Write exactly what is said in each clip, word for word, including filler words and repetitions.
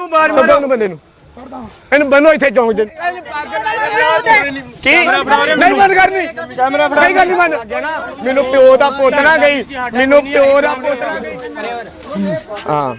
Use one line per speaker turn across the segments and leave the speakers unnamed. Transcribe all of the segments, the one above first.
ਬੰਦੇ ਨੂੰ ਇਹਨੂੰ ਬੰਨੋ ਇੱਥੇ ਚੌਂਕ ਚ ਕੀ ਨਹੀਂ ਬੰਦ ਕਰਨੀ ਕੈਮਰਾ ਫੜਾ ਨਹੀਂ ਕਰਨੀ ਬੰਦ ਮੈਨੂੰ ਪਿਓ ਦਾ ਪੁੱਤ ਨਾ ਗਈ ਮੈਨੂੰ ਪਿਓ ਦਾ ਪੁੱਤ ਨਾ ਗਈ ਹਾਂ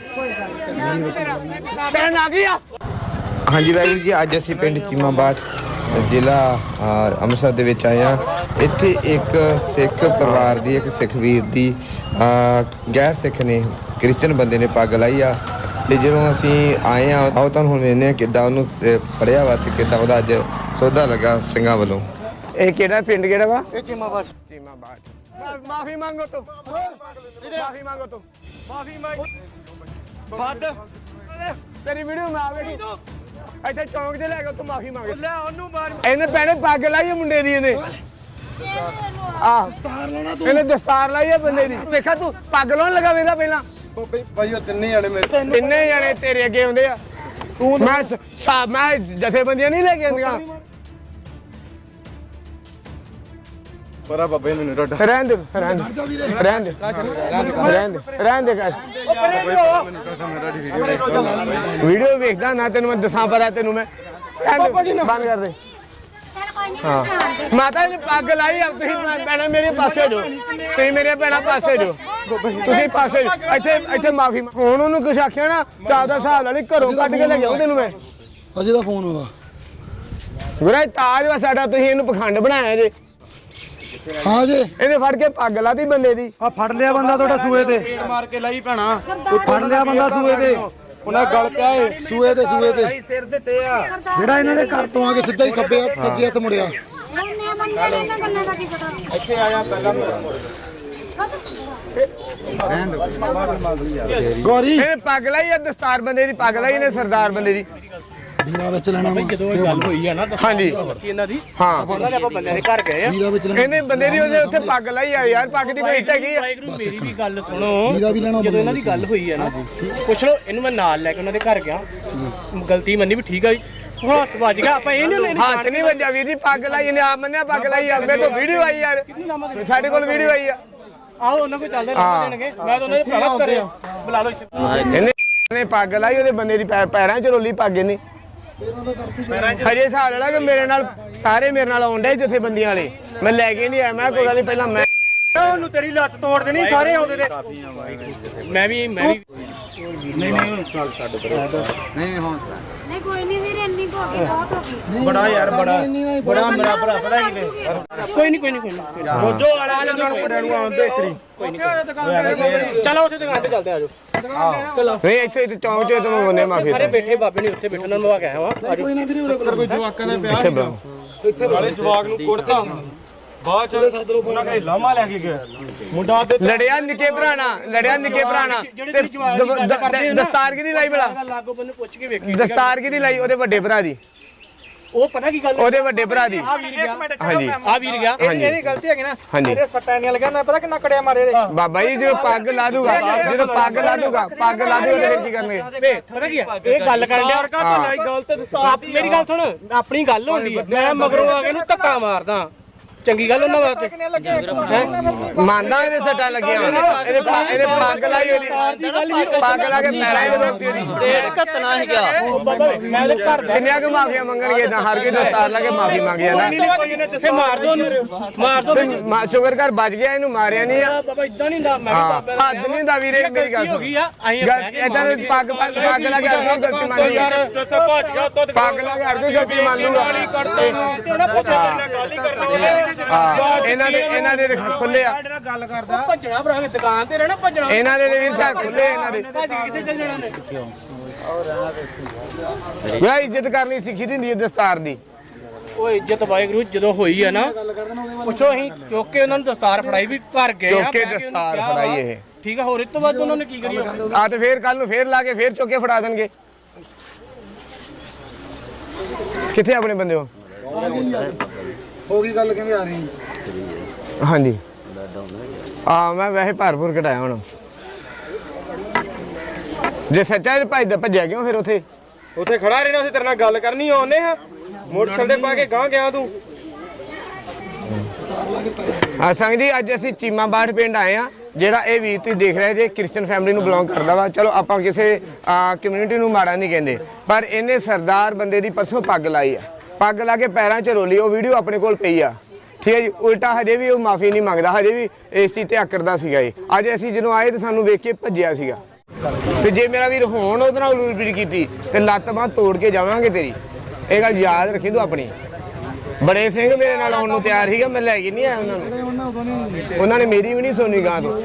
ਕਹਿਣ ਆ ਗਈ ਆ।
ਹਾਂਜੀ ਵਾਹਿਗੁਰੂ ਜੀ, ਅੱਜ ਅਸੀਂ ਪਿੰਡ ਚੀਮਾਬਾਟ ਜ਼ਿਲ੍ਹਾ ਅੰਮ੍ਰਿਤਸਰ ਦੇ ਵਿੱਚ ਆਏ ਹਾਂ। ਇੱਥੇ ਇੱਕ ਸਿੱਖ ਪਰਿਵਾਰ ਦੀ ਇੱਕ ਸਿੱਖ ਵੀਰ ਦੀ ਗੈਰ ਸਿੱਖ ਨੇ ਕ੍ਰਿਸਚਨ ਬੰਦੇ ਨੇ ਪੱਗ ਲਾਈ ਆ ਤੇ ਜਦੋਂ ਅਸੀਂ ਆਏ ਆ ਆਓ ਤੁਹਾਨੂੰ ਹੁਣ ਵੇਖਦੇ ਹਾਂ ਕਿੱਦਾਂ ਉਹਨੂੰ ਫੜਿਆ ਵਾ ਤੇ ਕਿੱਦਾਂ ਉਹਦਾ ਅੱਜ ਸੌਦਾ ਲੱਗਾ ਸਿੰਘਾਂ ਵੱਲੋਂ।
ਇਹ ਕਿਹੜਾ ਪਿੰਡ ਕਿਹੜਾ ਵਾ? ਇਹ ਚੀਮਾਬਾਟ। ਚੀਮਾਬਾਟ ਮਾਫੀ ਮੰਗੋ ਤੂੰ ਮਾਫੀ ਮੰਗੋ ਤੂੰ ਮਾਫੀ ਮੰਗ ਫੱਦ ਤੇਰੀ ਵੀਡੀਓ ਮੈਂ ਆਵੇਗੀ ਇੱਥੇ ਚੌਂਕ 'ਚ ਲੈ ਕੇ ਤੂੰ ਮਾਫੀ ਮੰਗ ਲੈ ਉਹਨੂੰ ਮਾਰ ਇਹਨੇ ਭੈਣੇ ਪੱਗ ਲਾਈ ਹੈ ਮੁੰਡੇ ਦੀ ਇਹਨੇ ਆਹ ਇਹਨੇ ਦਸਤਾਰ ਲਾਈ ਹੈ ਬੰਦੇ ਦੀ ਦੇਖਾ ਤੂੰ ਪੱਗ ਲਾਉਣ ਲੱਗਾ ਵੇਖਦਾ ਪਹਿਲਾਂ
ਭਾਈ ਉਹ ਤਿੰਨੇ ਜਣੇ ਮੇਰੇ
ਤਿੰਨੇ ਜਣੇ ਤੇਰੇ ਅੱਗੇ ਆਉਂਦੇ ਆ ਤੂੰ ਮੈਂ ਸਾਬ ਮੈਂ ਜਥੇਬੰਦੀਆਂ ਨਹੀਂ ਲੈ ਕੇ ਆਉਂਦੀਆਂ
ਪਰਾ ਬਾਬੇ ਮੈਨੂੰ ਡੱਡਾ
ਰਹਿਣ ਦੇ ਰਹਿਣ ਦੇ ਰਹਿਣ ਦੇ ਰਹਿਣ ਦੇ ਰਹਿਣ ਦੇ ਕਰ ਵੀਡੀਓ ਵੇਖਦਾ ਨਾ ਤੈਨੂੰ ਮੈਂ ਦੱਸਾਂ ਪਰਾ ਤੈਨੂੰ ਮੈਂ ਬੰਦ ਕਰ ਦੇ ਹਾਂ ਮਾਤਾ ਨੇ ਪੱਗ ਲਾਈ ਆ ਤੁਸੀਂ ਭੈਣਾ ਮੇਰੇ ਪਾਸੇ ਜੋ ਤੁਸੀਂ ਮੇਰੇ ਭੈਣਾ ਪਾਸੇ ਜੋ ਤੁਸੀਂ ਪਾਸੇ ਇੱਥੇ ਇੱਥੇ ਮਾਫੀ ਹੁਣ ਉਹਨੂੰ ਕੁਛ ਆਖਿਆ ਨਾ ਚਾਹ ਦਾ ਹਿਸਾਬ ਨਾਲ ਘਰੋਂ ਕੱਢ ਕੇ ਲੈ ਜਾਉਂ ਤੈਨੂੰ ਮੈਂ
ਅਜੇ ਦਾ ਫੋਨ ਉਹਦਾ
ਗੁਰਾ ਤਾਜ ਵਾ ਸਾਡਾ ਤੁਸੀਂ ਇਹਨੂੰ ਪਖੰਡ ਬਣਾਇਆ ਜੇ
ਹਾਂ ਜੀ
ਇਹਨੇ ਫੜ ਕੇ ਪੱਗ ਲਾਤੀ ਬੰਦੇ ਦੀ
ਆ ਫੜ ਲਿਆ ਬੰਦਾ ਤੁਹਾਡਾ ਸੂਏ ਤੇ
ਮਾਰ ਕੇ ਲਾਈ ਭੈਣਾ
ਫੜ ਲਿਆ ਬੰਦਾ ਸੂਏ ਤੇ
ਉਹਨਾਂ ਗਲ ਪਿਆ ਏ
ਸੂਏ ਤੇ ਸੂਏ ਤੇ
ਸਿਰ ਦਿੱਤੇ ਆ
ਜਿਹੜਾ ਇਹਨਾਂ ਦੇ ਘਰ ਤੋਂ ਆ ਕੇ ਸਿੱਧਾ ਹੀ ਖੱਬੇ ਹੱਥ ਸੱਜੇ ਹੱਥ ਮੁੜਿਆ
ਇੱਥੇ ਆਇਆ ਪਹਿਲਾਂ
ਗੌਰੀ
ਇਹਨੇ ਪੱਗ ਲਾਈ ਆ ਦਸਤਾਰ ਬੰਦੇ ਦੀ ਪੱਗ ਲਾਈ ਇਹਨੇ ਸਰਦਾਰ ਬੰਦੇ ਦੀ
ਵੀਰਾ ਵਿੱਚ ਲੈਣਾ
ਜਦੋਂ ਇਹ ਗੱਲ ਹੋਈ ਆ ਨਾ
ਹਾਂਜੀ
ਇਹਨਾਂ ਦੀ
ਹਾਂ
ਉਹਨਾਂ ਨੇ ਆਪਾਂ ਬੰਦਿਆਂ ਦੇ ਘਰ ਗਏ ਆ
ਵੀਰਾ ਵਿੱਚ ਲੈਣਾ
ਇਹਨੇ ਬੰਦੇ ਦੀ ਉਹਦੇ ਉੱਥੇ ਪੱਗ ਲਾਈ ਆ ਯਾਰ ਪੱਗ ਦੀ ਕੋਈ ਇੱਟ ਹੈਗੀ ਆ
ਵਾਹਿਗੁਰੂ ਮੇਰੀ ਵੀ ਗੱਲ ਸੁਣੋ
ਵੀਰਾ ਵੀ ਲੈਣਾ
ਜਦੋਂ ਇਹਨਾਂ ਦੀ ਗੱਲ ਹੋਈ ਆ ਨਾ ਪੁੱਛ ਲਓ ਇਹਨੂੰ ਮੈਂ ਨਾਲ ਲੈ ਕੇ ਉਹਨਾਂ ਦੇ ਘਰ ਗਿਆ ਗਲਤੀ ਮੰਨੀ ਵੀ ਠੀਕ ਆ ਹੱਥ ਵੱਜ ਗਿਆ ਆਪਾਂ ਇਹ ਨਹੀਂ
ਹੱਥ ਨਹੀਂ ਵੱਜਿਆ ਵੀਰ ਜੀ ਪੱਗ ਲਾਈ ਇਹਨੇ ਆਪ ਮੰਨਿਆ ਪੱਗ ਲਾਈ ਆ ਮੇਰੇ ਤੋਂ ਵੀਡੀਓ ਆਈ ਯਾਰ ਸਾਡੇ ਕੋਲ ਵੀਡੀਓ ਆਈ ਆ
ਆਓ ਉਹਨਾਂ ਕੋਈ ਚੱਲਦੇ ਰਹਿ ਦੇਣਗੇ ਮੈਂ ਤਾਂ ਉਹਨਾਂ ਦੇ ਭਰਾ ਕਰਿਆ ਬੁਲਾ ਲਓ
ਇਹਨੇ ਇਹਨੇ ਪੱਗ ਲਾਈ ਉਹਦੇ ਬੰਦੇ ਦੀ ਪੈਰਾਂ 'ਚ ਰੋਲੀ ਪੱਗ ਇਹਨੇ ਹਜੇ ਹਿਸਾਬ ਲਾ ਕਿ ਮੇਰੇ ਨਾਲ ਸਾਰੇ ਮੇਰੇ ਨਾਲ ਆਉਂਦੇ ਜਿੱਥੇ ਬੰਦੀਆਂ ਵਾਲੇ ਮੈਂ ਲੈ ਕੇ ਨਹੀਂ ਆਇਆ ਮੈਂ ਕੋਈ ਗੱਲ ਨਹੀਂ ਪਹਿਲਾਂ ਮੈਂ
ਉਹਨੂੰ ਤੇਰੀ ਲੱਤ ਤੋੜ ਦੇਣੀ ਸਾਰੇ ਆਉਂਦੇ ਤੇ ਮੈਂ ਵੀ ਮੈਂ ਵੀ ਨਹੀਂ ਨਹੀਂ ਚੱਲ ਛੱਡ ਨਹੀਂ ਹੁਣ
ਨਹੀਂ ਕੋਈ ਨਹੀਂ ਵੀਰੇ ਇੰਨੀ ਕੁ ਹੋ ਗਈ ਬਹੁਤ ਹੋ ਗਈ
ਬੜਾ ਯਾਰ ਬੜਾ ਬੜਾ ਮੇਰਾ ਭਰਾ ਬੜਾ ਹੀ ਕੋਈ ਨਹੀਂ ਕੋਈ ਨਹੀਂ ਕੋਈ ਨਹੀਂ ਰੋਜੋ ਵਾਲਾ ਜਣ ਕੁੜਿਆਂ ਨੂੰ ਆਉਂਦੇ ਇਕਰੀ ਕੋਈ ਨਹੀਂ ਚਲੋ ਉੱਥੇ ਦੁਕਾਨ ਤੇ ਚੱਲਦੇ ਆਜੋ ਚਲੋ
ਨਹੀਂ ਇੱਥੇ ਚੌਂਕ 'ਚ ਤੁਮ ਬੰਨੇ ਮਾਫੀ
ਸਾਰੇ ਬੈਠੇ ਬਾਬੇ ਨੇ ਉੱਥੇ ਬੈਠਣ ਨੂੰ ਆ ਗਿਆ ਵਾ ਆਜੋ ਕੋਈ ਨਾ ਵੀਰੇ ਉਰੇ ਕੋਈ ਜਵਾਕਾਂ ਦਾ ਪਿਆ ਇੱਥੇ ਨਾਲੇ ਜਵਾਕ ਨੂੰ ਕੁੜਤਾ ਬਾਅਦ ਚ ਸੱਦ ਲੋ ਉਹਨਾਂ ਕਹੇ ਲਾਮਾ ਲੈ ਕੇ ਗਿਆ ਮੁੰਡਾ ਤੇ
ਲੜਿਆ ਨਿੱਕੇ ਭਰਾਣਾ ਲੜਿਆ ਨਿੱਕੇ ਭਰਾਣਾ ਦਸਤਾਰ ਕਿਹਦੀ ਲਾਈ ਭਲਾ
ਲਾਗੋ ਬੰਨੇ ਪੁੱਛ ਕੇ ਵੇਖੀ
ਦਸਤਾਰ ਕਿਹਦੀ ਲਾਈ ਉਹਦੇ ਵੱਡੇ ਭਰਾ ਦੀ
ਉਹ ਪਤਾ ਕੀ ਗੱਲ
ਉਹਦੇ ਵੱਡੇ ਭਰਾ ਦੀ
ਆ ਵੀਰ ਗਿਆ
ਹਾਂਜੀ
ਆ ਵੀਰ ਗਿਆ ਇਹਦੀ ਗਲਤੀ ਹੈਗੀ ਨਾ
ਹਾਂਜੀ
ਸੱਟਾਂ ਨਹੀਂ ਲੱਗਿਆ ਨਾ ਪਤਾ ਕਿੰਨਾ ਕੜਿਆ ਮਾਰੇ ਇਹਦੇ
ਬਾਬਾ ਜੀ ਜਦੋਂ ਪੱਗ ਲਾ ਦੂਗਾ ਜਦੋਂ ਪੱਗ ਲਾ ਦੂਗਾ ਪੱਗ ਲਾ ਦੂਗਾ ਫਿਰ ਕੀ ਕਰਨਗੇ
ਪਤਾ ਕੀ ਹੈ ਇਹ ਗੱਲ ਕਰਨ ਡਿਆ ਗੱਲ ਤੇ ਮੇਰੀ ਗੱਲ ਸੁਣ ਆਪਣੀ ਗੱਲ ਹੁੰਦੀ ਹੈ ਮੈਂ ਮਗਰੋਂ ਆ ਕੇ ਇਹਨੂੰ ਧੱਕਾ ਮਾਰਦਾ ਚੰਗੀ ਗੱਲ ਉਹਨਾਂ ਵਾਸਤੇ
ਮੰਨਦਾ ਇਹਦੇ ਸੱਟਾਂ ਲੱਗੀਆਂ ਇਹਦੇ ਇਹਦੇ ਪੱਗ ਲਾਈ ਉਹਦੀ ਪੱਗ ਲਾ ਕੇ ਪੈਰਾਂ ਦੇ ਵਿੱਚ ਉਹਦੀ ਡੇਢ ਘੱਤਣਾ ਹੀ ਗਿਆ
ਮੈਂ ਤੇ ਘਰ
ਕਿੰਨੀਆਂ ਕੁ ਮਾਫੀਆਂ ਮੰਗਣਗੇ ਤਾਂ ਹਰ ਕੋਈ ਦਸਤਾਰ ਲਾ ਕੇ ਮਾਫੀ ਮੰਗੀ ਜਾਂਦਾ
ਕਿਸੇ ਮਾਰ ਦੋ ਮਾਰ ਦੋ
ਮਾ ਸ਼ੁਕਰ ਕਰ ਬਚ ਗਿਆ ਇਹਨੂੰ ਮਾਰਿਆ ਨਹੀਂ ਆ
ਬਾਬਾ ਇਦਾਂ ਨਹੀਂ ਹੁੰਦਾ ਮੈਂ
ਹਾਂ ਹੱਦ ਨਹੀਂ ਹੁੰਦਾ ਵੀਰੇ ਮੇਰੀ ਗੱਲ
ਹੋ ਗਈ ਆ ਅਸੀਂ
ਇਦਾਂ ਦੇ ਪੱਗ ਪੱਗ ਲਾ ਕੇ ਹਰ ਕੋਈ ਗਲਤੀ ਮੰਨ ਲੂਗਾ
ਭੱਜ ਗਿਆ
ਪੱਗ ਲਾ ਕੇ ਹਰ ਕੋਈ ਗਲਤੀ ਮੰਨ ਲੂਗਾ
ਗੱਲ ਹੀ ਕਰਨਾ
ਹਾਂ ਇਹਨਾਂ ਦੇ ਇਹਨਾਂ ਦੇ ਖੁੱਲੇ ਆ
ਗੱਲ ਕਰਦਾ ਭੱਜਣਾ ਭਰਾ ਦੁਕਾਨ ਤੇ ਰਹਿਣਾ ਭੱਜਣਾ
ਇਹਨਾਂ ਦੇ ਵੀਰ ਤਾਂ ਖੁੱਲੇ ਇਹਨਾਂ ਦੇ
ਭੱਜ ਕਿੱਥੇ ਚੱਲ ਜਾਣਾ ਨੇ
ਮੇਰਾ ਇੱਜ਼ਤ ਕਰਨੀ ਸਿੱਖੀ ਦੀ ਹੁੰਦੀ ਹੈ ਦਸਤਾਰ ਦੀ
ਉਹ ਇੱਜ਼ਤ ਵਾਹਿਗੁਰੂ ਜਦੋਂ ਹੋਈ ਹੈ ਨਾ ਪੁੱਛੋ ਅਸੀਂ ਚੁੱਕ ਕੇ ਉਹਨਾਂ ਨੂੰ ਦਸਤਾਰ ਫੜਾਈ ਵੀ ਘਰ ਗਏ
ਚੁੱਕ ਕੇ ਦਸਤਾਰ ਫੜਾਈ ਇਹ
ਠੀਕ ਆ ਹੋਰ ਇਸ ਤੋਂ ਬਾਅਦ ਉਹਨਾਂ ਨੇ ਕੀ ਕਰੀ
ਆ ਤੇ ਫੇਰ ਕੱਲ ਨੂੰ ਫੇਰ ਲਾ ਕੇ ਫੇਰ ਚੁੱਕ ਕੇ ਫੜਾ ਦੇਣਗੇ ਕਿੱਥੇ ਆਪਣੇ ਬੰਦੇ ਹੋ
ਹੋ ਗਈ ਗੱਲ ਕਹਿੰਦੇ ਆ ਰਹੀ
ਹਾਂਜੀ ਆ ਮੈਂ ਵੈਸੇ ਭਰਪੂਰ ਘਟਾਇਆ ਹੁਣ ਜੇ ਸੱਚਾ ਇਹ ਭਾਈ ਦਾ ਭੱਜਿਆ ਕਿਉਂ ਫਿਰ ਉੱਥੇ
ਉੱਥੇ ਖੜਾ ਰਹਿਣਾ ਉੱਥੇ ਤੇਰੇ ਨਾਲ ਗੱਲ ਕਰਨੀ ਆਉਨੇ ਆ ਮੋਟਰਸਾਈਕਲ ਤੇ ਪਾ ਕੇ ਗਾਂ ਗਿਆ ਤੂੰ
ਆ ਸੰਗ ਜੀ ਅੱਜ ਅਸੀਂ ਚੀਮਾਬਾਟ ਪਿੰਡ ਆਏ ਆ ਜਿਹੜਾ ਇਹ ਵੀਰ ਤੁਸੀਂ ਦੇਖ ਰਹੇ ਜੇ ਕ੍ਰਿਸਚੀਅਨ ਫੈਮਿਲੀ ਨੂੰ ਬਿਲੋਂਗ ਕਰਦਾ ਵਾ। ਚਲੋ ਆਪਾਂ ਕਿਸੇ ਕਮਿਊਨਿਟੀ ਨੂੰ ਮਾੜਾ ਨਹੀਂ ਕਹਿੰਦੇ, ਪਰ ਇਹਨੇ ਸਰਦਾਰ ਬੰਦੇ ਦੀ ਪਰਸੋਂ ਪੱਗ ਲਾਈ ਆ, ਪੱਗ ਲਾ ਕੇ ਪੈਰਾਂ 'ਚ ਰੋਲੀ। ਉਹ ਵੀਡੀਓ ਆਪਣੇ ਕੋਲ ਪਈ ਆ, ਠੀਕ ਹੈ ਜੀ। ਉਲਟਾ ਹਜੇ ਵੀ ਉਹ ਮਾਫੀ ਨਹੀਂ ਮੰਗਦਾ, ਹਜੇ ਵੀ ਇਸ ਚੀਜ਼ ਤੇ ਆਕਰਦਾ ਸੀਗਾ ਇਹ। ਅੱਜ ਅਸੀਂ ਜਦੋਂ ਆਏ ਤਾਂ ਸਾਨੂੰ ਵੇਖ ਕੇ ਭੱਜਿਆ ਸੀਗਾ। ਤੇ ਜੇ ਮੇਰਾ ਵੀਰ ਹੁਣ ਉਹਦੇ ਨਾਲ ਉਲਟੀ ਕੀਤੀ ਤੇ ਲੱਤ ਬਾਂਹ ਤੋੜ ਕੇ ਜਾਵਾਂਗੇ ਤੇਰੀ। ਇਹ ਗੱਲ ਯਾਦ ਰੱਖੀ ਤੂੰ ਆਪਣੀ। ਬੜੇ ਸਿੰਘ ਮੇਰੇ ਨਾਲ ਆਉਣ ਨੂੰ ਤਿਆਰ ਸੀਗਾ, ਮੈਂ ਲੈ ਕੇ ਨਹੀਂ ਆਇਆ ਉਹਨਾਂ ਨੂੰ। ਉਹਨਾਂ ਨੇ ਮੇਰੀ ਵੀ ਨਹੀਂ ਸੁਣੀ ਗਾਂ ਤੋਂ।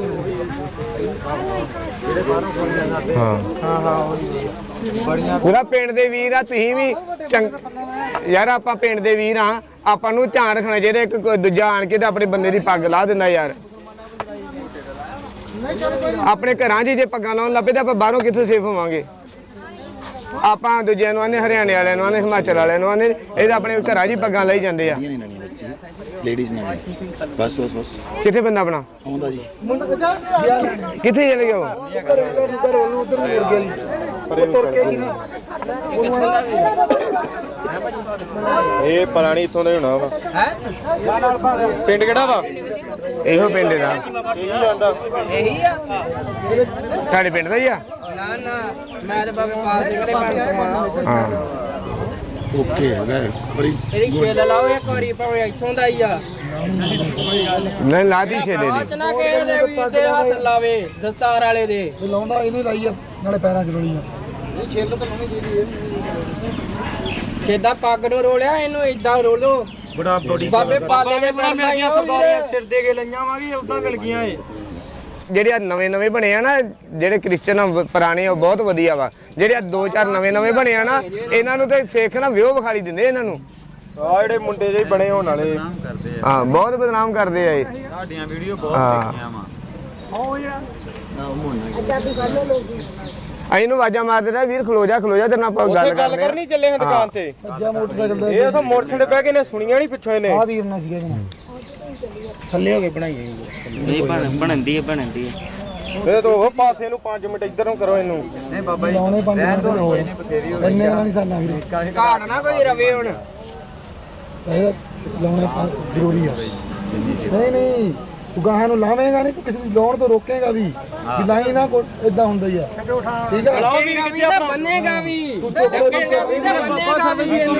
ਹਾਂ ਹਾਂ ਹਾਂ ਪੂਰਾ ਪਿੰਡ ਦੇ ਵੀਰ ਆ ਤੁਸੀਂ ਵੀ ਚੰਗ ਯਾਰ। ਆਪਾਂ ਪਿੰਡ ਦੇ ਵੀਰ ਆ, ਆਪਾਂ ਨੂੰ ਧਿਆਨ ਰੱਖਣਾ ਚਾਹੀਦਾ। ਇੱਕ ਕੋਈ ਦੂਜਾ ਆਣ ਕੇ ਤੇ ਆਪਣੇ ਬੰਦੇ ਦੀ ਪੱਗ ਲਾ ਦਿੰਦਾ ਯਾਰ। ਆਪਣੇ ਘਰਾਂ 'ਚ ਜੇ ਪੱਗਾਂ ਲਾਉਣ ਲੱਪੇ ਤਾਂ ਆਪਾਂ ਬਾਹਰੋਂ ਕਿੱਥੋਂ ਸੇਫ ਹੋਵਾਂਗੇ। ਆਪਾਂ ਦੂਜਿਆਂ ਨੂੰ ਆਨੇ, ਹਰਿਆਣੇ ਵਾਲਿਆਂ ਨੂੰ ਆਨੇ, ਹਿਮਾਚਲ ਵਾਲਿਆਂ ਨੂੰ ਆਨੇ, ਇਹ ਤਾਂ ਆਪਣੇ ਘਰਾਂ 'ਚ ਹੀ ਪੱਗਾਂ ਲਾਈ ਜਾਂਦੇ ਆ।
ਲੇਡੀਜ਼ ਨਾਲ ਬਸ ਬਸ ਬਸ।
ਕਿੱਥੇ ਬੰਦਾ ਆਪਣਾ
ਆਉਂਦਾ ਜੀ?
ਕਿੱਥੇ ਚਲੇ ਗਿਆ ਉਹ?
ਉਧਰ ਮੁੜ ਗਿਆ ਜੀ, ਉਹ ਤੁਰ ਕੇ ਹੀ ਨਾ।
ਇਹ ਪੁਰਾਣੀ ਇੱਥੋਂ ਦਾ ਹੀ ਹੋਣਾ ਵਾ। ਹੈ ਪਿੰਡ ਕਿਹੜਾ ਵਾ?
ਇਹੋ ਪਿੰਡ ਦਾ।
ਇਹੀ ਜਾਂਦਾ
ਇਹੀ ਆ।
ਸਾਡੇ ਪਿੰਡ ਦਾ ਹੀ ਆ।
ਨਾ ਨਾ ਮੈਂ ਤਾਂ ਬਾਬੇ ਪਾਲ ਸਿੰਘ ਦੇ ਪਿੰਡ ਤੋਂ ਆ।
ਹਾਂ
ਓਕੇ ਹੈਗਾ ਔਰੀ
ਇਹਦੀ ਛੇਲ ਲਾਓ ਇੱਕ ਵਾਰੀ, ਭਾਵੇਂ ਇੱਥੋਂ ਦਾ ਹੀ ਆ।
ਨਹੀਂ ਲਾਦੀ ਛੇਲੇ
ਬਾਅਦ ਚ
ਦੀ।
ਨਾ ਕਿਸੇ ਦੇ ਵੀਰ ਦੇ ਹੱਥ ਲਾਵੇ, ਦਸਤਾਰ ਵਾਲੇ ਦੇ।
ਇਹ ਲਾਉਂਦਾ ਇਹਨੇ ਲਾਈ ਆ, ਨਾਲੇ ਪੈਰਾਂ 'ਚ ਰੋਲੀ ਆ। ਇਹ ਛਿੱਲ ਤਾਂ ਲਾਉਣੀ ਚਾਹੀਦੀ ਹੈ।
ਛੇਦਾ ਪੱਗ ਨੂੰ ਰੋਲਿਆ, ਇਹਨੂੰ ਏਦਾਂ ਰੋਲੋ।
ਬੜਾ ਬੜੀ
ਬਾਬੇ ਪਾਲੇ ਦੇ ਪਿੰਡ ਦਾ ਹੀ ਆ ਸਰਦਾਰੀਆਂ
ਸਿਰ ਦੇ ਕੇ ਲਈਆਂ ਵਾ ਵੀ ਉਦਾਂ ਮਿਲ ਗਈਆਂ ਏ।
ਜਿਹੜੇ ਆ ਨਵੇਂ ਨਵੇਂ ਬਣੇ ਆ ਨਾ, ਜਿਹੜੇ ਕ੍ਰਿਸਚਨ ਆ ਪੁਰਾਣੇ, ਉਹ ਬਹੁਤ ਵਧੀਆ ਵਾ। ਜਿਹੜੇ ਆ ਦੋ ਚਾਰ ਨਵੇਂ ਨਵੇਂ ਬਣੇ ਆ ਨਾ, ਇਹਨਾਂ ਨੂੰ ਤੇ ਸਿੱਖ ਨਾ ਵਿਓ ਵਿਖਾਲੀ ਦਿੰਦੇ ਇਹਨਾਂ ਨੂੰ।
ਆ ਜਿਹੜੇ ਮੁੰਡੇ ਜਿਹੇ ਬਣੇ ਹੋਣ ਵਾਲੇ
ਹਾਂ ਬਹੁਤ ਬਦਨਾਮ ਕਰਦੇ ਆ ਇਹ।
ਸਾਡੀਆਂ ਵੀਡੀਓ ਬਹੁਤ
ਦੇਖੀਆਂ
ਵਾ।
ਅਸੀਂ ਨੂੰ ਆਵਾਜ਼ਾਂ ਮਾਰਦੇ ਰਹੇ, ਵੀਰ ਖਲੋ ਜਾ ਖਲੋ ਜਾ, ਤੇਰੇ ਨਾਲ ਆਪਾਂ ਗੱਲ
ਗੱਲ
ਕਰਦੇ ਆ।
ਕਰਨੀ ਚੱਲੇ ਹਾਂ ਦੁਕਾਨ ਤੇ।
ਭੱਜਿਆ ਮੋਟਰਸਾਈਕਲ ਦਾ।
ਇਹ ਤਾਂ ਮੋਟਰਸਾਈਕਲ ਤੇ ਬਹਿ ਕੇ ਨੇ ਸੁਣੀਆਂ ਨਹੀਂ ਪਿੱਛੋਂ ਇਹਨੇ।
ਆ ਵੀਰ ਨਾਲ ਸੀਗਾ ਜਨਾ
ਥੱਲੇ ਹੋ ਕੇ ਬਣਾਈ
ਨਹੀਂ ਬਣਦੀ ਹੈ ਬਣਦੀ ਹੈ।
ਇਹ ਤਾਂ ਉਹ ਪਾਸੇ ਨੂੰ ਪੰਜ ਮਿੰਟ ਇੱਧਰ ਨੂੰ ਕਰੋ ਇਹਨੂੰ।
ਨਹੀਂ ਬਾਬਾ ਜੀ ਲਾਉਣੇ ਪੰਜ ਮਿੰਟ ਹੋਰ ਇੰਨੇ ਨਾਲ ਨਹੀਂ ਸਰਨਾ ਵੀਰੇ।
ਘਾੜ ਨਾ ਕੋਈ ਰਵੇ ਹੁਣ।
ਇਹ ਲਾਉਣੇ ਪੰਜ ਜ਼ਰੂਰੀ ਆ। ਨਹੀਂ ਨਹੀਂ ਤੂੰ ਗਾਹਾਂ ਨੂੰ ਲਾਵੇਂਗਾ ਨਹੀਂ, ਤੂੰ ਕਿਸੇ ਦੀ ਲਾਉਣ ਤੋਂ ਰੋਕੇਗਾ ਵੀ ਵੀ ਲਾਈ ਨਾ। ਇਦਾਂ ਹੁੰਦਾ ਹੀ ਆ, ਠੀਕ ਆ।
ਲਾਓ ਵੀਰ ਕਿੱਥੇ ਆਪਣਾ ਬੰਨੇਗਾ ਵੀ। ਤੂੰ ਚੁੱਪ ਕਰ ਬੰਨੇਗਾ ਵੀ ਇਹਨੂੰ।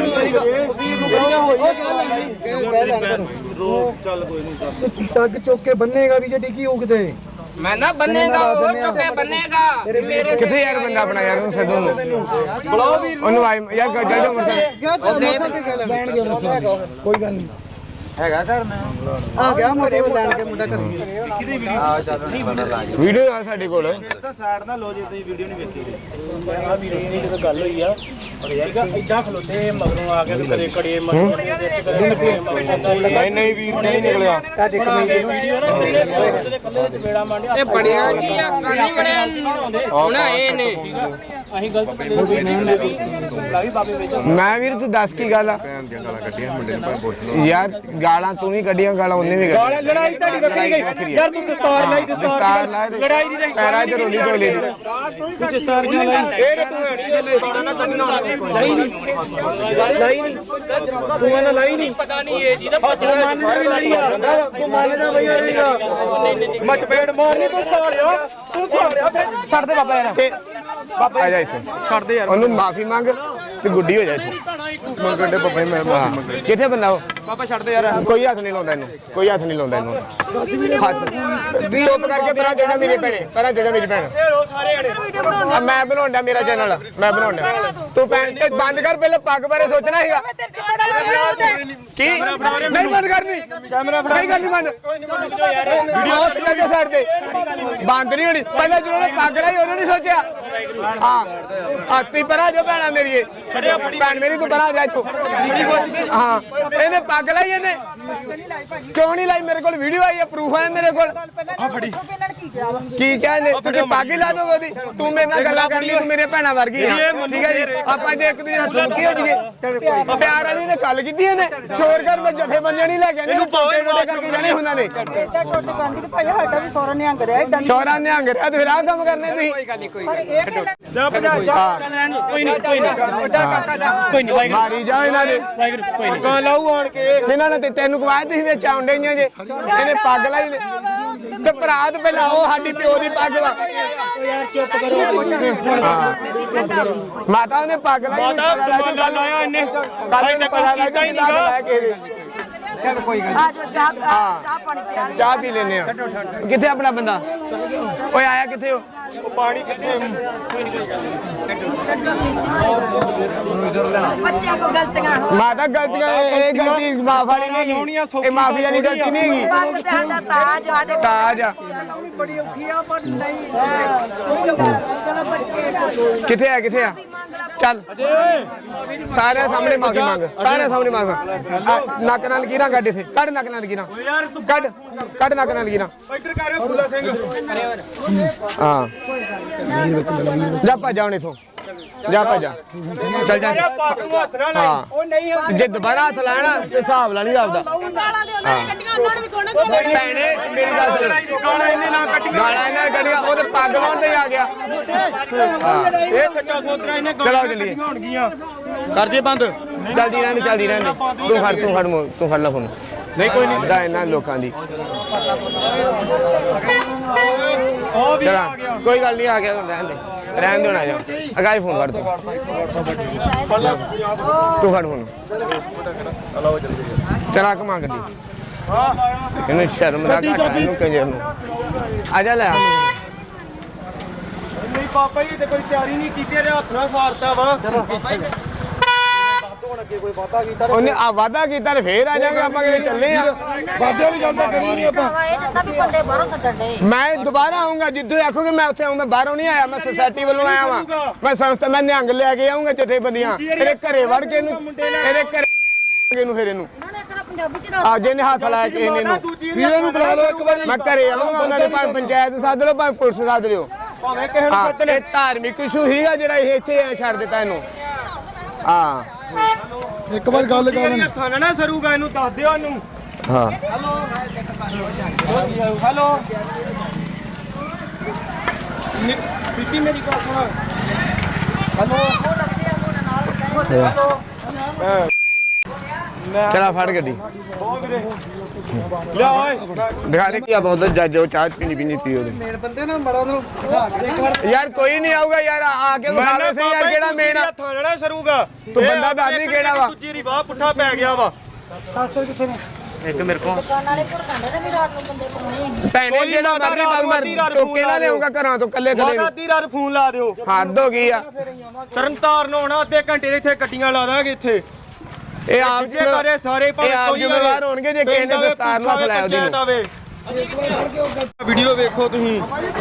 ਚੱਲ ਕੋਈ ਨਹੀਂ।
ਟੱਗ ਚੁੱਕ ਕੇ ਬੰਨੇਗਾ ਵੀ ਜੇ ਡਿੱਗੀ ਹੋ ਕਿਤੇ।
ਮੈਂ ਨਾ ਬੰਨੇਗਾ, ਉਹ ਚੁੱਕੇ ਬੰਨੇਗਾ। ਮੇਰੇ
ਕਿੱਥੇ ਯਾਰ ਬੰਦਾ ਆਪਣਾ ਯਾਰ, ਉਹਨੂੰ ਸੱਦੋ ਨੂੰ ਬੁਲਾਓ ਵੀਰ ਉਹਨੂੰ। ਆਈ ਯਾਰ ਚੱਲ ਜਾ ਮੋਟਰਸਾਈਕਲ
ਲੈਣਗੇ ਮੋਟਰਸਾਈਕਲ, ਕੋਈ ਗੱਲ ਨਹੀਂ।
ਹੈਗਾ ਘਰ ਮੈਂ ਆ ਗਿਆ ਮੋਟੇ ਲੈਣ ਕੇ ਮੁੰਡਾ ਕਰ ਵੀਡੀਓ ਆ ਸਾਡੇ ਕੋਲ।
ਸਾਈਡ ਨਾਲ ਲੋ ਜੇ ਤੁਸੀਂ ਵੀਡੀਓ ਨਹੀਂ ਵੇਖੀ। ਆ ਵੀਰ ਦੀ ਜਦੋਂ ਗੱਲ ਹੋਈ ਆ ਇੱਦਾਂ ਖਲੋਤੇ ਮਗਰੋਂ ਆ ਕੇ ਕਦੇ ਕੜੇ ਮਗਰੋਂ ਨਹੀਂ ਨਹੀਂ ਵੀਰ ਨਹੀਂ ਨਿਕਲਿਆ।
ਇਹ ਬੜਿਆ ਕੀ ਆ, ਕਾਨੀ ਬੜਿਆ ਹੁਣ ਇਹ ਨੇ। ਅਸੀਂ ਗਲਤ
ਮੈਂ ਵੀਰ ਤੂੰ ਦੱਸ ਕੀ ਗੱਲ ਆ ਯਾਰ। ਗਾਲਾਂ ਤੂੰ ਵੀ ਕੱਢੀਆਂ, ਗਾਲਾਂ ਉਹਨੇ ਵੀ ਕੱਢੀਆਂ।
ਲੜਾਈ ਤੁਹਾਡੀ ਵੱਖਰੀ ਗਈ ਯਾਰ। ਤੂੰ ਦਸਤਾਰ ਲਾਈ,
ਦਸਤਾਰ ਲਾਈ,
ਲੜਾਈ ਨਹੀਂ
ਪੈਰਾਂ 'ਚ ਰੋਲੀ ਢੋਲੀ ਦੀ।
ਤੂੰ ਦਸਤਾਰ ਕਿਉਂ ਲਾਈ? ਇਹ ਤੂੰ ਹੈ ਨਹੀਂ ਜੱਲੇ ਨਾ ਕੱਢਣਾ ਲਾਈ ਨਹੀਂ ਲਾਈ ਨਹੀਂ ਤੂੰ ਇਹਨਾਂ ਲਾਈ ਨਹੀਂ। ਪਤਾ ਨਹੀਂ ਇਹ ਜੀ ਦਾ ਤੂੰ ਮੰਨਦਾ ਵੀ ਲਾਈ ਆ। ਤੂੰ ਮੰਨਦਾ ਬਈ ਆਏਗਾ ਮਚਪੇੜ ਮਾਰਨੀ। ਤੂੰ ਸਾਲਿਆ ਤੂੰ ਸਾਲਿਆ ਛੱਡ ਦੇ ਬਾਬਾ ਯਾਰ।
ਤੇ ਆ ਜਾ ਇੱਥੇ
ਛੱਡ ਦੇ ਯਾਰ।
ਉਹਨੂੰ ਮਾਫੀ ਮੰਗ ਤੇ ਗੁੱਡੀ ਹੋ ਜਾ ਇੱਥੇ। ਮੰਗਣ ਦੇ ਬਾਬਾ ਮੈਂ ਮਾਫੀ ਮੰਗ। ਕਿੱਥੇ ਬੰਦਾ ਉਹ?
ਬਾਬਾ ਛੱਡ ਦੇ ਯਾਰ।
ਕੋਈ ਹੱਥ ਨਹੀਂ ਲਾਉਂਦਾ ਇਹਨੂੰ, ਕੋਈ ਹੱਥ ਨਹੀਂ ਲਾਉਂਦਾ ਇਹਨੂੰ। ਹੱਥ ਚੁੱਪ ਕਰਕੇ ਪਰਾਂ ਜਿਹੜਾ ਮੇਰੇ ਭੈਣੇ, ਪਰਾਂ ਜਿਹੜਾ ਮੇਰੀ ਭੈਣ। ਆ ਮੈਂ ਬਣਾਉਂਦਾ ਮੇਰਾ ਚੈਨਲ, ਮੈਂ ਬਣਾਉਂਦਾ। ਤੂੰ ਭੈਣ ਤੇ ਬੰਦ ਕਰ, ਪਹਿਲਾਂ ਪੱਗ ਬਾਰੇ ਸੋਚਣਾ ਸੀਗਾ। ਕੀ ਨਹੀਂ ਬੰਦ ਕਰਨੀ? ਕੈਮਰਾ ਫੜਾ। ਨਹੀਂ ਕਰਨੀ ਬੰਦ। ਵੀਡੀਓ ਤੇ ਸਾਈਡ ਤੇ ਬੰਦ ਨਹੀਂ ਹੋਣੀ। ਪਹਿਲਾਂ ਜਦੋਂ ਉਹਨੇ ਪੱਗ ਲਾਈ ਉਦੋਂ ਨਹੀਂ ਸੋਚਿਆ। ਹਾਂ ਆ ਤੀ ਪਰਾਂ ਜੋ ਭੈਣਾ ਮੇਰੀ ਭੈਣ ਮੇਰੀ, ਤੂੰ ਪਰਾਂ ਜਾ ਇੱਥੋਂ। ਹਾਂ ਇਹਨੇ ਪੱਗ ਲਾਈ, ਇਹਨੇ ਕਿਉਂ ਨਹੀਂ ਲਾਈ? ਮੇਰੇ ਕੋਲ ਵੀਡੀਓ ਆਈ ਹੈ, ਪ੍ਰੂਫ ਹੈ ਮੇਰੇ ਕੋਲ। ਆ ਫੜੀ ਕੀ ਕਿਹਾ ਇਹਨੇ? ਤੂੰ ਪੱਗ ਹੀ ਲਾ ਦੋ ਉਹਦੀ। ਤੂੰ ਮੇਰੇ ਨਾਲ ਗੱਲਾਂ ਕਰਨੀ, ਤੂੰ ਮੇਰੇ ਭੈਣਾਂ ਵਰਗੀ ਆ, ਠੀਕ ਹੈ ਜੀ। ਆਪਾਂ ਜੇ ਇੱਕ ਦੂਜੇ ਨਾਲ ਦੁਖੀ ਹੋ ਜਾਈਏ। ਪਿਆਰ ਵਾਲੀ ਨੇ ਗੱਲ ਕੀਤੀ ਇਹਨੇ, ਸ਼ੋਰ ਕਰ ਮੈਂ ਜੱਫੇ ਬੰਦੇ ਨਹੀਂ ਲੈ ਕੇ ਆਉਂਦੇ, ਟੋਟੇ ਟੋਟੇ ਕਰਕੇ ਜਾਣੇ ਉਹਨਾਂ ਨੇ। ਸ਼ੋਰਾਂ ਨਿਹੰਗ ਰਿਹਾ ਤੇ ਫਿਰ ਆਹ ਕੰਮ ਕਰਨੇ ਤੁਸੀਂ।
ਜਾ ਭਜਾ ਜਾ। ਕੋਈ ਨਹੀਂ ਕੋਈ ਨਹੀਂ ਕੋਈ ਨਹੀਂ
ਮਾਰੀ ਜਾ ਇਹਨਾਂ ਦੇ।
ਕੋਈ ਨਹੀਂ ਲਾਉ ਆਣ ਕੇ।
ਇਹਨਾਂ ਨੇ ਤੇ ਤੈਨੂੰ ਕਵਾਇਆ, ਤੁਸੀਂ ਵਿੱਚ ਆਉਂਦੇ ਹੀ ਜੇ। ਇਹਨੇ ਪੱਗ ਲਾਈ ਨੇ। ਤੇ ਭਰਾ ਤੇ ਪਹਿਲਾਂ ਉਹ ਸਾਡੀ ਪਿਓ ਦੀ ਪੱਗ ਵਾ ਹਾਂ ਮਾਤਾ ਨੇ ਪੱਗ ਲਾਈ
ਮਾਤਾ ਕਮਾਂਡਾ ਲਾਇਆ ਇਹਨੇ
ਕੱਲ ਨੂੰ ਪਤਾ ਲੱਗਾ ਹੀ ਨਹੀਂ ਗਾ ਕਿਸੇ ਚਾਹ ਪੀ ਲੈਨੇ ਆ ਕਿੱਥੇ ਆਪਣਾ ਬੰਦਾ ਓਏ ਆਇਆ ਕਿੱਥੇ ਹੋ
ਪਾਣੀ ਕਿੱਥੇ
ਬੱਚਿਆਂ ਕੋ ਗਲਤੀਆਂ ਹੋ
ਮਾਤਾ ਗਲਤੀਆਂ ਇਹ ਗਲਤੀ ਮਾਫ ਵਾਲੀ ਨਹੀਂ ਹੈਗੀ ਇਹ ਮਾਫੀ ਵਾਲੀ ਗਲਤੀ ਨਹੀਂ ਹੈਗੀ
ਪੱਗ ਤੇ ਸਾਡਾ ਤਾਜ ਸਾਡੇ
ਤਾਜ ਆ
ਬੜੀ ਔਖੀ ਆ ਪਰ ਨਹੀਂ
ਕਿੱਥੇ ਆ ਕਿੱਥੇ ਆ ਚੱਲ ਸਾਰਿਆਂ ਸਾਹਮਣੇ ਮਾਫੀ ਮੰਗ ਸਾਰਿਆਂ ਸਾਹਮਣੇ ਮਾਫੀ ਨੱਕ ਨਾਲ ਲਕੀਰਾਂ ਕੱਢ ਇੱਥੇ ਕੱਢ ਨੱਕ ਨਾਲ ਲਕੀਰਾਂ ਕੱਢ ਕੱਢ ਨੱਕ ਨਾਲ ਲਕੀਰਾਂ
ਇੱਧਰ ਕਰ ਫੁੱਲਾ ਸਿੰਘ
ਹਾਂ
ਵੀਰ ਵਿੱਚ ਲੈ ਲਾ ਵੀਰ ਵਿੱਚ
ਜਾ ਭੱਜ ਜਾ ਹੁਣ ਇੱਥੋਂ ਜਾ ਭੱਜ ਜਾ ਚੱਲ ਜਾ
ਪੱਗ ਨੂੰ ਹੱਥ ਨਾਲ
ਹਾਂ ਜੇ ਦੁਬਾਰਾ ਹੱਥ ਲਾਣਾ ਤੇ ਹਿਸਾਬ ਲਾ ਲਈ ਆਪਦਾ ਭੈਣੇ ਮੇਰੀ ਗੱਲ ਸੁਣ
ਗਾਲਾਂ ਇਹਨੇ ਨਾ ਕੱਟੀਆਂ
ਗਾਲਾਂ ਇਹਨਾਂ ਨੇ ਕੱਢੀਆਂ ਉਹ ਤੇ ਪੱਗ ਲਾਉਣ ਤੇ ਆ ਗਿਆ ਹਾਂ
ਇਹ ਸੱਚਾ ਸੋਦਰਾ ਇਹਨੇ
ਚਲੋ
ਗਾਲਾਂ
ਚੱਲੀਏ।
ਕੱਟੀਆਂ ਹੋਣਗੀਆਂ ਕਰ ਜੇ ਬੰਦ
ਚੱਲਦੀ ਰਹਿਣੀ ਚੱਲਦੀ ਰਹਿਣੀ ਤੂੰ ਫੜ ਤੂੰ ਫੜ ਮੋ- ਤੂੰ ਫੜ ਲੈ ਫੋਨ ਨਹੀਂ ਕੋਈ ਨਹੀਂ ਦਾ ਇਹਨਾਂ ਲੋਕਾਂ ਦੀ
ਉਹ ਵੀ
ਚਲਾ ਕੋਈ ਗੱਲ ਨਹੀਂ ਆ ਗਿਆ ਰਹਿਣ ਦੇ ਰਹਿਣ ਦੇ ਹੁਣ ਆ ਜਾ ਅਗਾਈ ਫੋਨ ਫੜ ਤੂੰ ਤੂੰ ਫੜ ਫੋਨ ਚਲਾ ਕਮਾ ਗੱਡੀ ਇਹਨੂੰ ਸ਼ਰਮ ਦਾ ਘਾਟਾ ਇਹਨੂੰ ਕੰਜਰ ਨੂੰ ਆ ਜਾ ਲੈ ਆ
ਨਹੀਂ ਪਾਪਾ ਜੀ ਤੇ ਕੋਈ ਤਿਆਰੀ ਨਹੀਂ ਕੀਤੀ ਇਹਦੇ ਹੱਥ ਨਾਲ ਫਾਰਤਾ ਵਾ
ਉਹਨੇ ਆ ਵਾਦਾ ਕੀਤਾ ਤੇ ਫੇਰ ਆ ਜਾਗੇ ਆਪਾਂ ਕਿਤੇ ਚੱਲੇ ਆ
ਵਾਦੇ ਵਾਲੀ ਗੱਲ ਤਾਂ ਕਰੀ ਨਹੀਂ ਆਪਾਂ
ਇਹ ਤਾਂ ਵੀ ਬੰਦੇ ਬਾਹਰੋਂ ਕੱਢਣ ਦੇ
ਮੈਂ ਦੁਬਾਰਾ ਆਉਂਗਾ ਜਿੱਦੋਂ ਆਖੋਗੇ ਮੈਂ ਉੱਥੇ ਆਉਂਗਾ ਬਾਹਰੋਂ ਨਹੀਂ ਆਇਆ ਮੈਂ ਸੁਸਾਇਟੀ ਵੱਲੋਂ ਆਇਆ ਵਾਂ ਮੈਂ ਸੰਸਥਾ ਮੈਂ ਨਿਹੰਗ ਲੈ ਕੇ ਆਉਂਗਾ ਜਥੇਬੰਦੀਆਂ ਇਹਦੇ ਘਰੇ ਵੜ ਕੇ ਇਹਨੂੰ ਇਹਦੇ ਘਰੇ ਇਹਨੂੰ ਫਿਰ ਇਹਨੂੰ
ਪੰਜਾਬੀ ਚ
ਆ ਜਿਹਨੇ ਹੱਥ ਲਾਇਆ ਕਿਸੇ ਨੇ ਇਹਨੂੰ
ਵੀਰੇ ਨੂੰ ਬੁਲਾ ਲਓ ਇੱਕ ਵਾਰੀ
ਮੈਂ ਘਰੇ ਆਉਂਗਾ ਉਹਨਾਂ ਦੇ ਭਾਵੇਂ ਪੰਚਾਇਤ ਸੱਦ ਲਓ ਭਾਵੇਂ ਪੁਲਿਸ ਸੱਦ ਲਿਓ
ਭਾਵੇਂ ਕਿਸੇ ਨੂੰ
ਹਾਂ
ਸੱਦ ਲੈ
ਇਹ ਧਾਰਮਿਕ ਇਸ਼ੂ ਸੀਗਾ ਜਿਹੜਾ ਇਹ ਇੱਥੇ ਛੱਡ ਦਿੱਤਾ ਇਹਨੂੰ ਹਾਂ
ਇੱਕ ਵਾਰ ਗੱਲ ਕਰ ਲੈਣੀ
ਹੱਥਾਂ ਨਾਲ ਨਾ ਸਰੂਗਾ ਇਹਨੂੰ ਦੱਸ ਦਿਓ ਇਹਨੂੰ
ਹਾਂ
ਹੈਲੋ ਬੀਤੀ ਮੇਰੀ ਗੱਲ ਸੁਣ
ਚਲਾ ਫੜ ਗੱਡੀ
ਬਹੁਤ ਵੀਰੇ ਲਿਆ ਓਏ
ਦਿਖਾ ਦੇ ਕੀ ਆ ਬਹੁਤ ਜੱਜ ਉਹ ਚਾਹ ਪੀਣੀ ਪੀਣੀ ਪੀਓ ਦੇ
ਮੇਨ ਬੰਦੇ ਨਾ ਮੜਾ ਨੂੰ ਇੱਕ ਵਾਰ
ਯਾਰ ਕੋਈ ਨਹੀਂ ਆਊਗਾ ਯਾਰ ਆ ਕੇ ਵਿਖਾਵੇ ਸਹੀ ਯਾਰ ਕਿਹੜਾ ਮੇਨ ਆ
ਹੱਥਾਂ ਨਾਲ ਨਾ ਸਰੂਗਾ
ਤੂੰ ਬੰਦਾ ਦੱਸ ਦੀ ਕਿਹੜਾ ਵਾ
ਦੂਜੀ ਰਿਵਾਹ ਪੁੱਠਾ ਪੈ ਗਿਆ ਵਾ
ਸ਼ਾਸਤਰ ਕਿੱਥੇ ਨੇ
ਦੁਕਾਨ ਵਾਲੇ ਭੜਕਾਉਂਦੇ ਨੇ ਵੀ ਰਾਤ ਨੂੰ ਬੰਦੇ ਪਾਉਣੇ
ਭੈਣੇ ਜਿਹੜਾ ਮਰਜ਼ੀ ਬਗ ਮਰ ਟੋਕੇ ਨਾਲ ਲਿਆਉਂਗਾ ਘਰਾਂ ਤੋਂ ਕੱਲੇ ਕੱਲੇ
ਮਾਤਾ ਅੱਧੀ ਰਾਤ ਫੋਨ ਲਾ ਦਿਓ
ਹੱਦ ਹੋ ਗਈ ਆ
ਤਰਨਤਾਰਨ ਹੋਣਾ ਅੱਧੇ ਘੰਟੇ ਦੇ ਇੱਥੇ ਗੱਡੀਆਂ ਲਾ ਦਾਂਗੇ ਇੱਥੇ
ਇਹ ਆਪ
ਜੇ ਕਰੇ ਸਾਰੇ ਭਾਵੇਂ
ਇਹ ਆਪ
ਕੋਈ
ਜ਼ਿੰਮੇਵਾਰ ਹੋਣਗੇ ਜੇ ਕਿਸੇ ਨੇ ਦਸਤਾਰ ਨੂੰ ਹੱਥ ਲਾਇਆ ਉਹਦੀ ਨੂੰ।
ਵੀਡੀਓ ਵੇਖੋ ਤੁਸੀਂ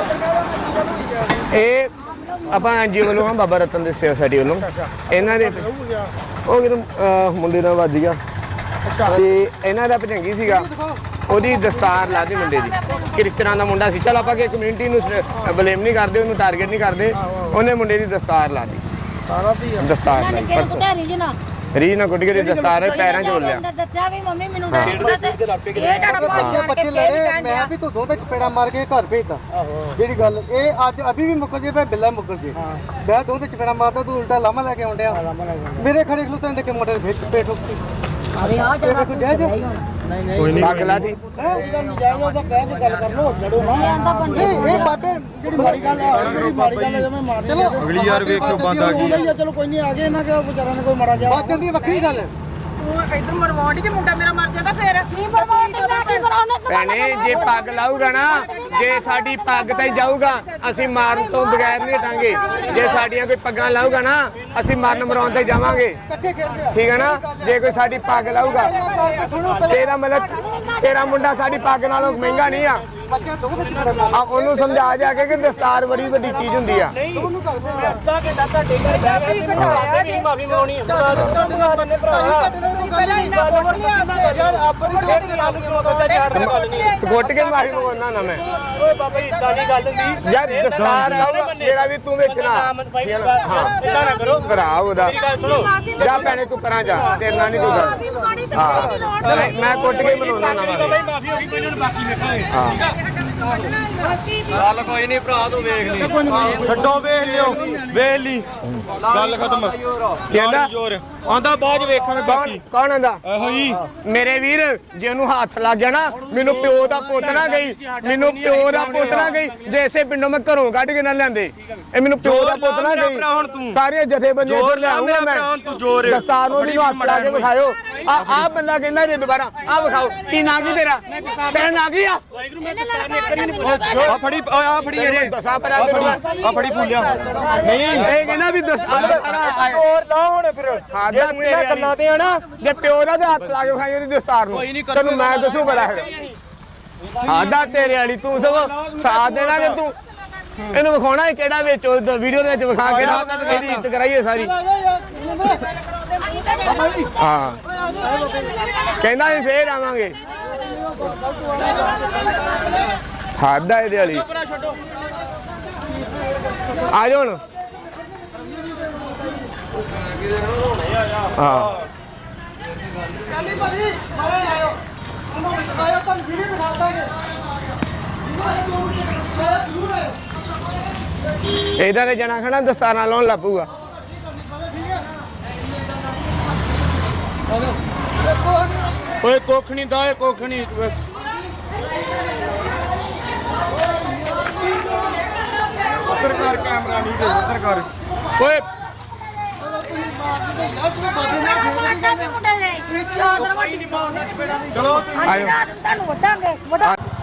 ਇਹ ਆਪਾਂ ਐਨਜੀਓ ਵੱਲੋਂ ਆ ਬਾਬਾ ਰਤਨ ਦੇ ਸੇਵਾ ਸੋਸਾਇਟੀ ਵੱਲੋਂ ਇਹਨਾਂ ਦੇ ਉਹ ਕਿਤੇ ਅਹ, ਮੁੰਡੇ ਨਾਲ ਵੱਜ ਗਿਆ ਤੇ ਇਹਨਾਂ ਦਾ ਭਜੰਗੀ ਸੀਗਾ ਉਹਦੀ ਦਸਤਾਰ ਲਾਤੀ ਮੁੰਡੇ ਦੀ ਕ੍ਰਿਸਚਨਾਂ ਦਾ ਮੁੰਡਾ ਸੀ ਚਲ ਆਪਾਂ ਕਿ ਕਮਿਊਨਿਟੀ ਨੂੰ ਬਲੇਮ ਨਹੀਂ ਕਰਦੇ ਉਹਨੂੰ ਟਾਰਗੇਟ ਨਹੀਂ ਕਰਦੇ ਉਹਨੇ ਮੁੰਡੇ ਦੀ ਦਸਤਾਰ ਲਾਤੀ ਦਸਤਾਰ ਲਾਈ ਪਰਸੋਂ
ਢੇਰੀ ਜੀ ਨਾ
ਰੀ ਨਾ ਗੁੱਡ ਕੇ ਦਸਤਾਰ ਪੈਰਾਂ 'ਚ ਲਿਆ
ਦੱਸਿਆ ਵੀ ਮੰਮੀ ਮੈਨੂੰ ਡੈਡੀ ਪਤਾ ਤੇ ਇਹ ਟੜਾ
ਬੱਚੇ ਬੱਚੇ ਲੜੇ ਮੈਂ ਵੀ ਤੂੰ ਦੋ ਤੇ ਚਪੇੜਾ ਮਾਰ ਕੇ ਘਰ ਭੇਜਦਾ ਜਿਹੜੀ ਗੱਲ ਇਹ ਅੱਜ ਅਭੀ ਵੀ ਮੁੱਕਰ ਜੇ ਮੈਂ ਬਿੱਲਾ ਮੁੱਕਰ ਜੇ ਮੈਂ ਦੋ ਤੇ ਚਪੇੜਾ ਮਾਰਦਾ ਤੂੰ ਉਲਟਾ ਲਾਮਾ ਲੈ ਕੇ ਆਉਂਦਿਆ ਮੇਰੇ ਖੜੇ ਖਲੋਤੇ ਦੇ ਕੇ ਮੋਟਰ ਵਿੱਚ ਪੇਟ ਉੱਤੇ
ਅਰੇ ਆ
ਇਹ ਵੇਖੋ ਜਾਇਜ਼
ਕੋਈ ਨਹੀਂ ਪੱਗ ਲਾ ਦੀ
ਜਾਇਜ਼ ਉਹਦਾ ਬਹਿ ਕੇ ਗੱਲ ਕਰ ਲੋ ਛੱਡੋ ਨਾ ਇਹ ਇਹ ਬਾਬੇ ਜਿਹੜੀ ਮਾੜੀ ਗੱਲ ਆ ਜਿਹੜੀ ਮਾੜੀ ਗੱਲ ਜਿਵੇਂ ਮਾਰਨੀ ਚਲੋ
ਅਗਲੀ ਯਾਰ ਵੇਖਿਓ ਬੰਦ ਆ ਗਈ
ਚਲੋ ਕੋਈ ਨਹੀਂ ਆ ਗਏ ਇਹਨਾਂ ਕਿ ਵਿਚਾਰਾਂ ਨੇ ਕੋਈ ਮਾੜਾ ਜਾ ਬਾਤ ਜਾਂਦੀ ਵੱਖਰੀ ਗੱਲ
ਇਧਰ ਮਰਵਾਉਣ ਜੇ ਮੁੰਡਾ ਮੇਰਾ ਮਰ ਜਾਂਦਾ ਫੇਰ
ਕੀ ਬਰਬਾਦ ਕਰਨਾ ਕੀ ਕਰਾਉਣਾ
ਭੈਣੇ ਜੇ ਪੱਗ ਲਾਊਗਾ ਨਾ ਜੇ ਸਾਡੀ ਪੱਗ ਤੇ ਜਾਊਗਾ ਅਸੀਂ ਮਾਰਨ ਤੋਂ ਬਗੈਰ ਨਹੀਂ ਹਟਾਂਗੇ ਜੇ ਸਾਡੀਆਂ ਕੋਈ ਪੱਗਾਂ ਲਾਊਗਾ ਨਾ ਅਸੀਂ ਮਰਨ ਮਰਾਉਣ ਤੇ ਜਾਵਾਂਗੇ ਠੀਕ ਹੈ ਨਾ ਜੇ ਕੋਈ ਸਾਡੀ ਪੱਗ ਲਾਊਗਾ ਤੇਰਾ ਮਤਲਬ ਤੇਰਾ ਮੁੰਡਾ ਸਾਡੀ ਪੱਗ ਨਾਲੋਂ ਮਹਿੰਗਾ ਨਹੀਂ ਆ ਆ ਉਹਨੂੰ ਸਮਝਾ ਜਾ ਕੇ ਕਿ ਦਸਤਾਰ ਬੜੀ ਵੱਡੀ ਚੀਜ਼ ਹੁੰਦੀ ਆ
ਮਾਫੀ ਮੰਗਣੀ
ਯਾਰ ਆਪਣੀ
ਗੁੱਟ ਕੇ ਮਾਰੀ ਮੰਗਵਾਉਣਾ ਨਾ ਮੈਂ
ਓਏ ਬਾਬਾ ਜੀ ਇਦਾਂ ਦੀ ਗੱਲ ਨਹੀਂ
ਯਾਰ ਦਸਤਾਰ ਲਾਊਗਾ ਮੇਰਾ ਵੀ ਤੂੰ ਵੇਚਣਾ ਹਾਂ
ਇਦਾਂ ਨਾ ਕਰੋ
ਭਰਾ ਉਹਦਾ
ਮੇਰੀ ਗੱਲ ਸੁਣੋ
ਜਾ ਭੈਣੇ ਤੂੰ ਪਰਾਂ ਜਾ ਤੇਰੇ ਨਾਲ ਨਹੀਂ ਕੋਈ ਗੱਲ ਹਾਂ ਮੈਂ- ਮੈਂ ਕੁੱਟ ਕੇ ਬਣਾਉਣਾ ਨਾ ਮੈਂ
ਮਾਫੀ ਹੋ ਗਈ ਕੋਈ ਨਹੀਂ ਬਾਕੀ ਵੇਖਾਂਗੇ
ਹਾਂ
ਗੱਲ ਕੋਈ ਨਹੀਂ ਭਰਾ ਤੂੰ ਵੇਖ ਲਈ ਛੱਡੋ ਵੇਖ ਲਿਓ ਵੇਖ ਲਈ ਗੱਲ ਖਤਮ
ਕਹਿੰਦਾ
ਜ਼ੋਰ ਆਂਦਾ ਬਾਅਦ ਚ ਵੇਖਾਂਗੇ ਬਾਕੀ
ਕੌਣ ਆਂਦਾ
ਇਹੋ ਜੀ
ਮੇਰੇ ਵੀਰ ਜੇ ਉਹਨੂੰ ਹੱਥ ਲੱਗ ਗਿਆ ਨਾ ਮੈਨੂੰ ਪਿਓ ਦਾ ਪੁੱਤ ਨਾ ਗਈ ਮੈਨੂੰ ਪਿਓ ਦਾ ਪੁੱਤ ਨਾ ਗਈ ਜੇ ਇਸੇ ਪਿੰਡੋਂ ਮੈਂ ਘਰੋਂ ਕੱਢ ਕੇ ਨਾ ਲਿਆਂਦੇ ਇਹ ਮੈਨੂੰ ਪਿਓ ਦਾ ਪੁੱਤ ਨਾ ਗਈ ਸਾਰੀਆਂ ਜਥੇਬੰਦੀਆਂ
ਜ਼ੋਰ
ਇੱਧਰ
ਲਾ
ਲਿਆਉਂਗਾ
ਮੇਰਾ
ਮੈਂ
ਭਰਾ, ਤੂੰ ਜ਼ੋਰ।
ਦਸਤਾਰ ਨੂੰ ਵੀ ਹੱਥ ਲਾ ਕੇ ਵਿਖਾਇਓ ਆ ਆ ਬੰਦਾ ਕਹਿੰਦਾ ਜੇ ਦੁਬਾਰਾ ਆ ਵਿਖਾਓ ਕੀ ਨਾਂ ਕੀ ਤੇਰਾ ਤੇਰਾ ਨਾਂ ਕੀ ਆ
ਆ ਫੜੀ ਆ ਫੜੀ ਅਜੇ
ਦਸਾਂ ਪਰ ਆ
ਆ ਫੜੀ ਫੁੱਲਿਆ ਨਹੀਂ
ਇਹ ਕਹਿੰਦਾ ਵੀ ਦਸਤਾਰ ਸਾਰਾ
ਜ਼ੋਰ ਲਾ ਹੁਣ ਫਿਰ
ਹਾਂ
ਜੇ ਤੂੰ ਇਹਨਾਂ ਗੱਲਾਂ ਤੇ ਆ ਨਾ
ਜੇ ਪਿਓ ਦਾ ਤੇ ਹੱਥ ਲਾ ਕੇ ਵਿਖਾਈ ਉਹਦੀ ਦਸਤਾਰ ਨੂੰ ਤੈਨੂੰ ਮੈਂ ਦੱਸੂ ਬੜਾ ਹੈਗਾ ਆਦਾ ਤੇਰੇ ਵਾਲੀ ਤੂੰ ਸਗੋਂ ਸਾਥ ਦੇਣਾ ਜੇ ਤੂੰ ਇਹਨੂੰ ਵਿਖਾਉਣਾ ਕਿਹੜਾ ਵਿੱਚ ਵੀਡੀਓ ਦੇ ਵਿੱਚ ਵਿਖਾ ਕੇ ਨਾ ਇਹਦੀ ਇੱਜ਼ਤ ਕਰਾਈਏ ਸਾਰੀ ਹਾਂ ਕਹਿੰਦਾ ਅਸੀਂ ਫੇਰ ਆਵਾਂਗੇ ਹੱਦ ਆ ਇਹਦੇ ਵਾਲੀ ਆ ਜਾਓ ਹੁਣ ਹਾਂ
ਚੱਲੀ ਭਾਜੀ ਮਾਰੇ ਆਇਓ ਆਇਓ ਤਾਂ ਵੀਡੀਓ ਦਿਖਾ ਦਾਂਗੇ
ਇਹਦਾ ਤੇ ਜਣਾ ਖਣਾ ਦਸਤਾਰਾਂ ਲਾਉਣ ਲੱਪੂਗਾ
ਓਏ ਕੁੱਖ ਨਹੀਂ ਦਾ ਏ ਕੁੱਖ ਨਹੀਂ ਉੱਧਰ ਕਰ ਕੈਮਰਾ ਨਹੀਂ ਦੇ ਉੱਧਰ ਕਰ ਓਏ
ਮੁੰਡਾ ਲੈ ਚੌਧਰ
ਚਲੋ
ਆਇਓ
ਤੁਹਾਨੂੰ ਵੱਡਾਂਗੇ ਵੱਡਾ